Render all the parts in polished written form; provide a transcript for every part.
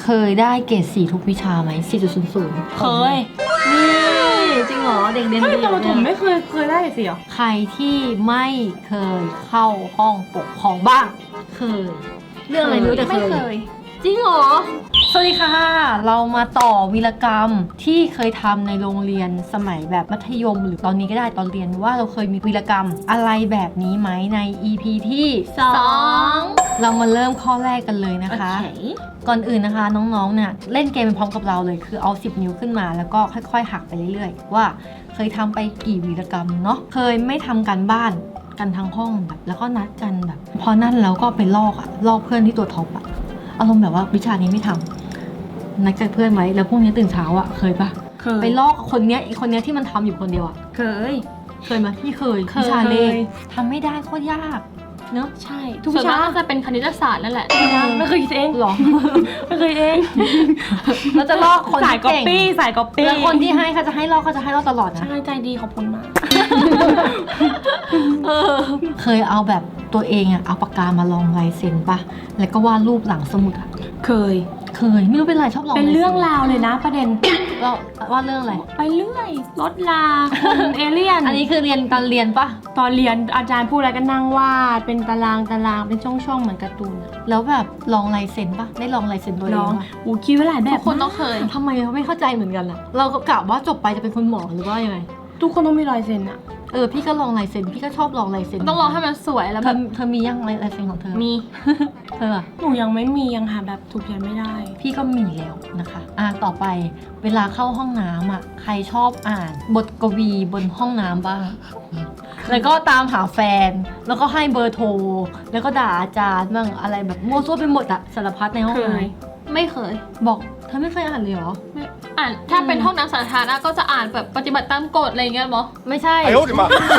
เคยได้เกรด4ทุกวิชาไหม 4.00 เคยนี่จริงเหรอเด็กเรียนเฮ้ยดีแต่ประถมเนี่ยไม่เคยได้สิเหรอใครที่ไม่เคยเข้าห้องปกครองบ้าง เคย เรื่องอะไรไม่รู้แต่ไม่เคเคยยจริงเหรอ สวัสดีค่ะ เรามาต่อวีรกรรมที่เคยทำในโรงเรียนสมัยแบบมัธยมหรือตอนนี้ก็ได้ตอนเรียนว่าเราเคยมีวีรกรรมอะไรแบบนี้ไหมใน EP ที่ 2 เรามาเริ่มข้อแรกกันเลยนะคะ ก่อนอื่นนะคะน้องๆเนี่ยเล่นเกมไปพร้อมกับเราเลยคือเอา10 นิ้วขึ้นมาแล้วก็ค่อยๆหักไปเรื่อยๆว่าเคยทำไปกี่วีรกรรมเนาะเคยไม่ทำการบ้านกันทั้งห้องแบบแล้วก็นัดกันแบบพอนั่นแล้วก็ไปลอกเพื่อนที่ตัวท็อปอะอารมณ์แบบว่าวิชานี้ไม่ทำนัดกับเพื่อนไว้แล้วพรุ่งนี้ตื่นเช้าอะเคยปะเคยไปลอกคนเนี้ยอีกคนเนี้ยที่มันทำอยู่คนเดียวอะเคยเคยไหมพี่เคยเคยวิชาเลขทำไม่ได้โคตรยากเนอะใช่ทุกวิชาจะเป็นคณิตศาสตร์นั่นแหละไม่เคยคิดเองหรอไม่เคยเองเราจะลอกคนสายที่ก๊อปเก่งปี้สายก๊อปปี้แล้วคนที่ให้เขาจะให้ลอกตลอดนะใช่ใจดีขอบคุณมากเคยเอาแบบตัวเองอะเอาปากกามาลองลายเซ็นปะแล้วก็วาดรูปหลังสมุดอะเคยเคยไม่รู้เป็นไรชอบลองเป็นเรื่องลายราวเลยนะประเด็นเซ็นเราวาดเรื่องอะไรไปเรื่อยรถลาคนเอเลี่ยนอันนี้คือเรียนตอนเรียนปะตอนเรียนอาจารย์พูดอะไรก็นั่งวาดเป็นตารางเป็นช่องๆเหมือนการ์ตูนแล้วแบบลองลายเซ็นปะได้ลองลายเซ็นตัวเอน้องงปะอูคิดไว้หลายแบทุบกคนต้องเคยทำไมเราไม่เข้าใจเหมือนกันอะเราก็กะว่าจบไปจะเป็นคุณหมอหรือว่ายังไงทุกคนต้องมีรอยเซ็นอะพี่ก็ลองลายเซ็นพี่ก็ชอบลองลายเซ็นต้องลองให้มันสวยแล้วเธแบอบ เธอมียังลายเซ็นของเธอมีเธออะหนูยังไม่มียังหาแบบถูกเขียนไม่ได้พี่ก็มีแล้วนะคะต่อไปเวลาเข้าห้องน้ำอ่ะใครชอบอ่านบทกวีบนห้องน้ำบ้าง แล้วก็ตามหาแฟน แล้วก็ให้เบอร์โทร แล้วก็ด่าอาจารย์บ้างอะไรแบบมั่วซั่วไปหมดอะสารพัดในห้องเคน้ยไม่เคยำบอกเธอไม่เคยอ่านเลยเหรออ่านถ้าเป็นห้องน้ำสาธารณะก็จะอ่านแบบปฏิบัติตามกฎอะไรอย่างเงี้ยมั้งไม่ใช่哎呦我的妈！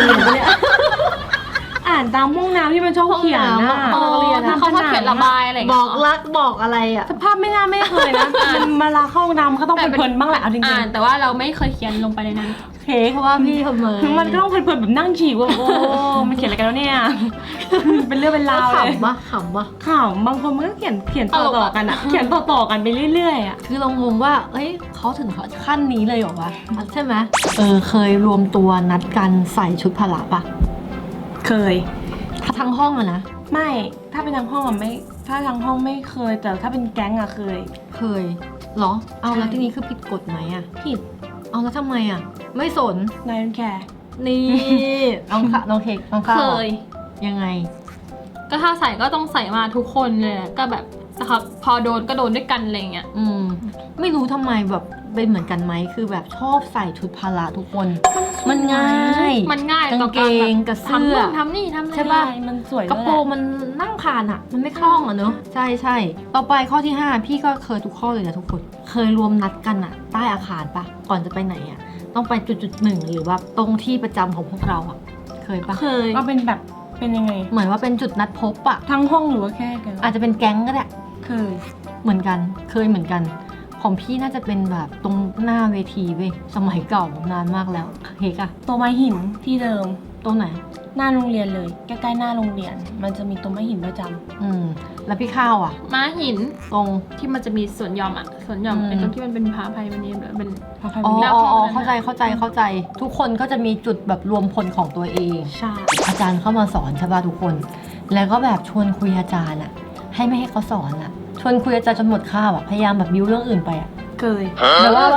อ่านตามห้องน้ำที่มันชอบเขียนห้องนะน้ำอ๋อถ้าเขาชอบเขียนระบายอะไรอย่างบเงี้อย กรักบอกอะไรอะสภาพไม่น่าไม่เคยนะมันมาลาเข้าห้องน้ำก็ต้องเพลินๆบ้างแหละเอาจริงอ่านแต่ว่าเราไม่เคยเขียนลงไปในนั้นเพเพราะว่าพี่ทำไมๆมันก็ต้องเพลินๆแบบนั่งฉี่ว่าโอ้มันเขียนอะไรกันแล้วเนี่ย เป็นเรื่องเป็นราวเลยขำปะขำปะข่าวบางคนมันก็เขียนต่อๆกันอะเขียนต่อๆกันไปเรื่อยๆอะคือเรางงว่าเอ้ยเขาถึงขั้นนี้เลยเหรอวะใช่ไหมเคยรวมตัวนัดกันใส่ชุดพละปะเคยทั้งห้องอะนะไม่ถ้าเป็นทางห้องอะไม่ถ้าทางห้องไม่เคย แต่ถ้าเป็นแก๊งอะเคยเคยเหรอ เอาใช่แล้วที่นี้คือผิดกฎไหมอะผิดเอาแล้วทำไมอะไม่สนนายแคร์นี่ น้องค่ะน้องเค้กน้องข้าวเคยยังไงก็ถ้าใส่ก็ต้องใส่มาทุกคนเลยแหละก็แบบนะครับพอโดนก็โดนด้วยกันอะไรอย่างเงี้ยไม่รู้ทำไมแบบเป็นเหมือนกันไหมคือแบบชอบใส่ชุดพละทุกคน มันง่ายมันง่ายกางต่อเกการแบบงกับเสื้อทำนี่ทำใช่นี่ปะมันสวยกระโปรงมันนั่งผ่านอะมันไม่คล่องอะเนอะใช่ใช่ต่อไปข้อที่ 5 พี่ก็เคยทุกข้อเลยนะทุกคน เคยรวมนัดกันอะใต้อาคารปะก่อนจะไปไหนอะต้องไปจุดหนึ่งหรือว่าตรงที่ประจำของพวกเราอะเคยปะเคยก็เป็นแบบเป็นยังไงเหมือนว่าเป็นจุดนัดพบอะทั้งห้องหรือว่าแค่กันอาจจะเป็นแก๊งก็ได้เคยเหมือนกันเคยเหมือนกันของพี่น่าจะเป็นแบบตรงหน้าเวทีเว้ยสมัยเก่านานมากแล้วเฮกอะตัวไม้หินที่เดิมตรงไหนหน้าโรงเรียนเลยใกล้ๆหน้าโรงเรียน มันจะมีตัวไม้หินประจำแล้วพี่ข้าวอะม้าหินตรงที่มันจะมีสวนหย่อมอ่ะสวนหย่อมอืมเป็นตรงที่มันเป็นพาภัยมันนี้เป็นพาใครอ๋ไปอเรียกเข้าใจ ทุกคนก็จะมีจุดแบบรวมพลของตัวเองใช่อาจารย์เข้ามาสอนใช่ป่ะทุกคน แล้วก็แบบชวนคุยอาจารย์อะให้ไม่ให้เขาสอนอะชวนคุยอาจารย์จนหมดคาบอะพยายามแบบบิ้วเรื่องอื่นไปอะเคยแต่ว่า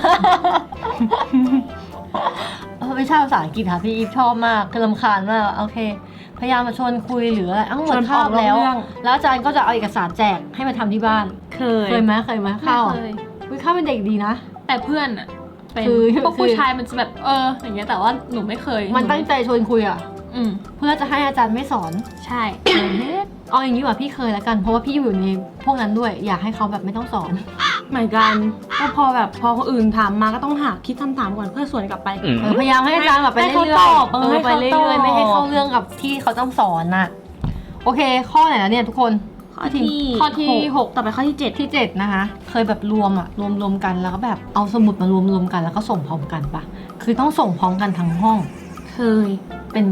วิชาภาษาอังกฤษค่ะพี่อีฟชอบมากคือรำคาญมากโอเค พยายามมาชวนคุยหรืออะไรหมดคาบแล้ว แล้วอาจารย์ก็จะเอาเอกสารแจกให้มาทำที่บ้านเคยเคยไหมไม่ข้าวเคยข้าวเป็นเด็กดีนะแต่เพื่อนอ่ะเป็นคือพวกผู้ชายมันจะแบบอย่างเงี้ยแต่ว่าหนูไม่เคยมันตั้งใจชวนคุยอะอืมเพื่อจะให้อาจารย์ไม่สอนใช่เอาอย่างนี้ว่าพี่เคยแล้วกันเพราะว่าพี่อยู่ในพวกนั้นด้วย อยากให้เขาแบบไม่ต้องสอนเหมือนกันก็พอคนอื่นถามมาก็ต้องหาคิดคำถามก่อนเพื่อสวนกลับไปพยายามให้อาจารย์แบบไปให้เรื่เขาอยตอบๆให้ไปเขาเรื่ตอบอยๆไม่ให้เข้าเรื่องกับที่เขาต้องสอนน่ะโอเค ข้อไหนแล้วเนี่ยทุกคนข้อที่ข้อที่หกต่อไปข้อที่ 7 ที่ 7 นะคะ เคยแบบรวมกันแล้วก็แบบเอาสมุดมารวมกันแล้วก็ส่งพร้อมกันปะคือต้องส่งพร้อมกันทั้งห้องเคยเป็นปะ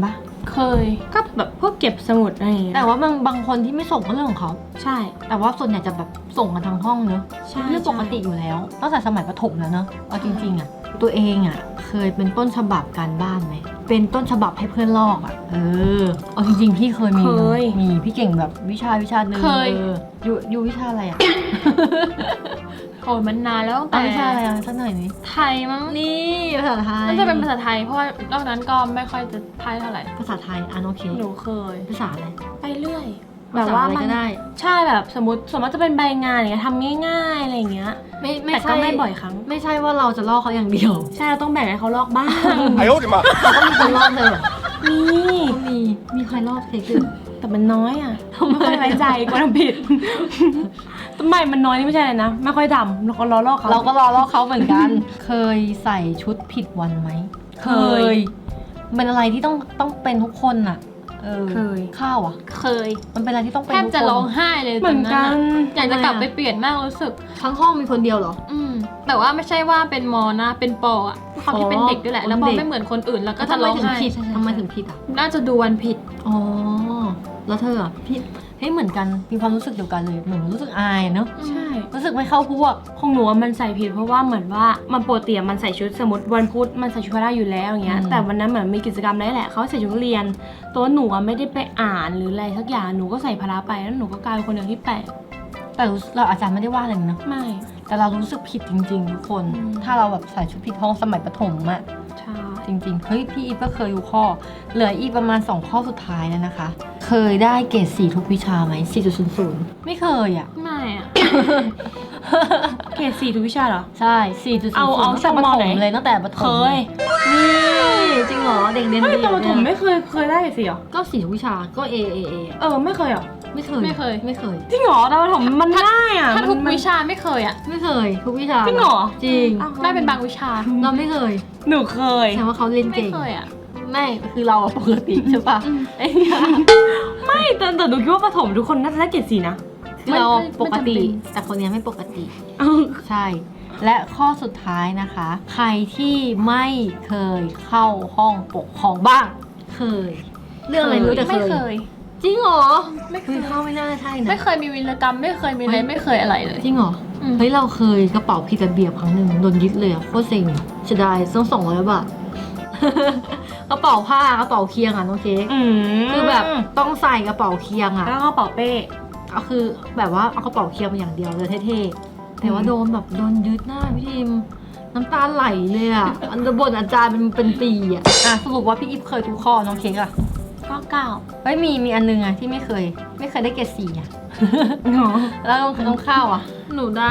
เคยก็แบบพวกเก็บสมุดอะไรอย่างเงี้ยแต่ว่าบางคนที่ไม่ส่งก็เรื่องของเขาใช่แต่ว่าส่วนใหญ่จะแบบส่งกันทั้งห้องเนอะใช่เรื่องปกติอยู่แล้วตั้งแต่สมัยประถมแล้วเนอะเอาจริงๆอะตัวเองอะเคยเป็นต้นฉบับการบ้านไหมเป็นต้นฉบับให้เพื่อนลอกอะเอาจริงๆพี่เคยมีนะมีพี่เก่งแบบวิชาหนึ่งอยู่วิชาอะไรอะโอ้ยมันนานแล้วตั้งแต่แต่วิชาอะไรอะสักหน่อยนี้ไทยมั้งนี่ภาษาไทยน่าจะเป็นภาษาไทยเพราะว่านอกนั้นก็ไม่ค่อยจะไทยเท่าไหร่ภาษาไทยโอเคหนูเคยภาษาอะไรไปเรื่อยแบแบบ บว่าว่าอะไรมันก็ได้ใช่แบบสมมติจะเป็นใบงานอย่างเงี้ยทำง่ายๆอะไรอย่างเงี้ยไม่แต่ใช่ก็ไม่บ่อยครั้งไม่ใช่ว่าเราจะลอกเขาอย่างเดียวใช่เราต้องแบ่งให้เขาลอกบ้าง哎呦我的妈！ เขาก็มีคนลอกเลยเหรอนี่มีใครลอกเค้กด้วยแต่มันน้อยอ่ะไม่ค่อยไว้ใจกลัวทำผิดทำไมมันน้อยนี่ไม่ใช่เลยนะไม่ค่อยทำเราก็ล้อลอกเขาเราก็รอลอกเขาเหมือนกัน เคยใส่ชุดผิดวันไหมเคยเป็นอะไรที่ต้องเป็นทุกคนน่ะเคยข้าวอ่ะเคยมันเป็นอะไรที่ต้องเป็นแทบทุกคนจะร้องไห้เลยเหมือนตกัอะนอยากจะกลับไปเปลี่ยนมากรู้สึกทั้งห้องมีคนเดียวเหรอแต่ว่าไม่ใช่ว่าเป็นมอนะเป็นปออะความที่เป็นเด็กด้วยแหละ แล้วพอไม่เหมือนคนอื่นแล้วก็ก็จะทำไมร้องถึงไห้ผิดใช่ทำไมถึงผิดอ่ะน่าจะดูวันผิดอ๋อแล้วเธออ่ะพี่เหมือนกันมีความรู้สึกเดียวกันเลยเหมือนรู้สึกอายเนอะใช่รู้สึกไม่เข้าพวกของหนูอะมันใส่ผิดเพราะว่าเหมือนว่ามันปกติอะมันใส่ชุดสมมติวันพุธมันใส่ชุดพละอยู่แล้วอย่างเงี้ยอืมแต่วันนั้นเหมือนมีกิจกรรมอะไรแหละเขาใส่ชุดนักเรียน ตัวหนูอะไม่ได้ไปอ่านหรืออะไรสักอย่างหนูก็ใส่พละไปแล้วหนูก็กลายเป็นคนเดียวที่แปลกแต่เราอาจารย์ไม่ได้ว่าอะไรนะไม่แต่เรารู้สึกผิดจริงๆทุกคนอืมถ้าเราแบบใส่ชุดผิดห้องสมัยประถมอะใช่จริงๆ เฮ้ยพี่อีฟก็เคยอยู่ข้อ เหลืออีกประมาณ 2 ข้อสุดท้ายแล้วนะคะ เคยได้เกรด4ทุกวิชาไหม 4.00 ไม่เคยอ่ะไม่อะเกรด4ทุกวิชาเหรอใช่ 4.00 เอาตั้งแต่ประช่วงถมไหนมเลยตั้งแต่ประถมเคยนี่จริงเหรอ เด็กเรียนไม่ดีตอนประถมเนี่ยไม่เคยได้เกรด4เหรอก็4ทุกวิชา ก็ A ไม่เคยเหรอไม่เคยไม่เคยไม่เคยจริงเหรอตอนประถมมันง่ายอ่ะถ้าทุกมันวิชาไม่เคยอะไม่เคย ทุกวิชาจริงเหรอจริงอ้าวได้เป็นบางวิชาเราไม่เคยหนูเคยแสดงว่าเขาเล่นไม่เก่งเคยอะไม่คือเราอะปกติใช่ปะไอ้เนี่ยไม่แต่หนูคิดว่าประถมทุกคนน่าจะได้เกรด4นะคือเราปกติไม่จำเป็นแต่คนเนี้ยไม่ปกติเอ้าใช่ และข้อสุดท้ายนะคะ ใครที่ไม่เคยเข้าห้องปกครองบ้าง เคย เรื่องอะไรไม่รู้แต่ไม่เคเคยยจริงเหรอไม่เคคือย เข้าไม่น่าใช่นะไม่เคยมีวีรกรรมไม่เคยมีอะไรไม่เคยอะไรเลยจริงเหรออืมเฮ้ยเราเคยกระเป๋าผิดระเบียบครั้งหนึ่งโดนยึดเลยอะโคตรเซ็งเสียดายต้อง200 บาท กระเป๋าผ้ากระเป๋าเคียงอะน้องเค้ก คือแบบต้องใส่กระเป๋าเคียงอะแล้วก็เป๋าเป้ก็คือแบบว่าเอากระเป๋าเคียงมาอย่างเดียวเลยเท่ๆ แต่ว่าโดนแบบโดนยึดหน้าพี่ทิมน้ำตาไหลเลยอ่ะ อันบนอาจารย์เป็นปีอ่ะสรุปว่าพี่อิฟเคยทุกข้อน้องเค้กอ่ะก็9 เฮ้ยมีอันนึงอ่ะที่ไม่เคยได้เกรด4อ่ะ แล้วน้องข้าวอ่ะหนูได้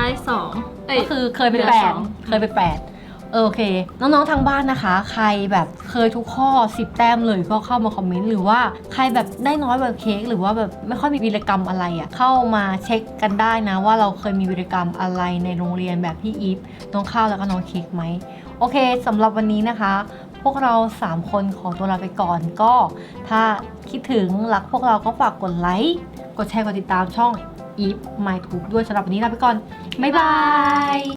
2 ก็คือเคยไปเหลือ 8 สองเคยไป8โอเค น้องๆทางบ้านนะคะ ใครแบบเคยทุกข้อ10 แต้มเลยก็เข้ามาคอมเมนต์หรือว่าใครแบบได้น้อยแบบเค้กหรือว่าแบบไม่ค่อยมีวีรกรรมอะไรอ่ะเข้ามาเช็คกันได้นะว่าเราเคยมีวีรกรรมอะไรในโรงเรียนแบบพี่อีฟน้องข้าวแล้วก็น้องเค้กไหมโอเคสำหรับวันนี้นะคะ พวกเรา3คนขอตัวลาไปก่อนก็ถ้าคิดถึงรักพวกเราก็ฝากกดไลค์กดแชร์กดติดตามช่อง Eve My Tube ด้วยสำหรับวันนี้ลาไปก่อนบ๊ายบาย